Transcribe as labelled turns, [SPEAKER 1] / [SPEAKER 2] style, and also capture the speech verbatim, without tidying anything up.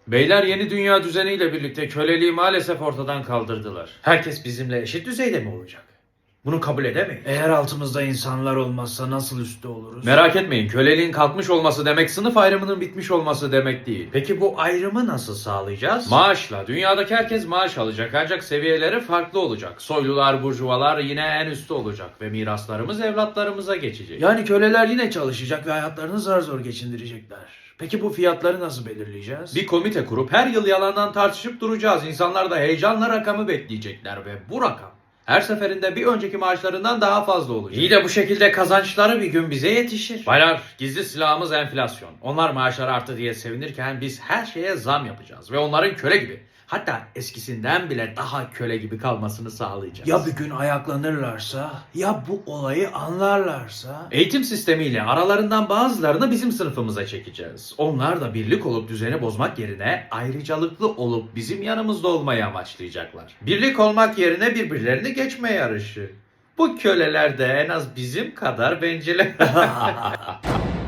[SPEAKER 1] Beyler yeni dünya düzeniyle birlikte köleliği maalesef ortadan kaldırdılar. Herkes bizimle eşit düzeyde mi olacak? Bunu kabul edemeyiz.
[SPEAKER 2] Eğer altımızda insanlar olmazsa nasıl üstte oluruz?
[SPEAKER 1] Merak etmeyin, köleliğin kalkmış olması demek sınıf ayrımının bitmiş olması demek değil.
[SPEAKER 2] Peki bu ayrımı nasıl sağlayacağız?
[SPEAKER 1] Maaşla. Dünyadaki herkes maaş alacak ancak seviyeleri farklı olacak. Soylular, burjuvalar yine en üstte olacak ve miraslarımız evlatlarımıza geçecek.
[SPEAKER 2] Yani köleler yine çalışacak ve hayatlarını zar zor geçindirecekler. Peki bu fiyatları nasıl belirleyeceğiz?
[SPEAKER 1] Bir komite kurup her yıl yalandan tartışıp duracağız. İnsanlar da heyecanla rakamı bekleyecekler ve bu rakam her seferinde bir önceki maaşlarından daha fazla olacak. İyi de bu şekilde kazançları bir gün bize yetişir. Baylar, gizli silahımız enflasyon. Onlar maaşları arttı diye sevinirken biz her şeye zam yapacağız ve onların köle gibi, hatta eskisinden bile daha köle gibi kalmasını sağlayacağız.
[SPEAKER 2] Ya bir gün ayaklanırlarsa, ya bu olayı anlarlarsa?
[SPEAKER 1] Eğitim sistemiyle aralarından bazılarını bizim sınıfımıza çekeceğiz. Onlar da birlik olup düzeni bozmak yerine ayrıcalıklı olup bizim yanımızda olmayı amaçlayacaklar. Birlik olmak yerine birbirlerini geçme yarışı. Bu köleler de en az bizim kadar bencil.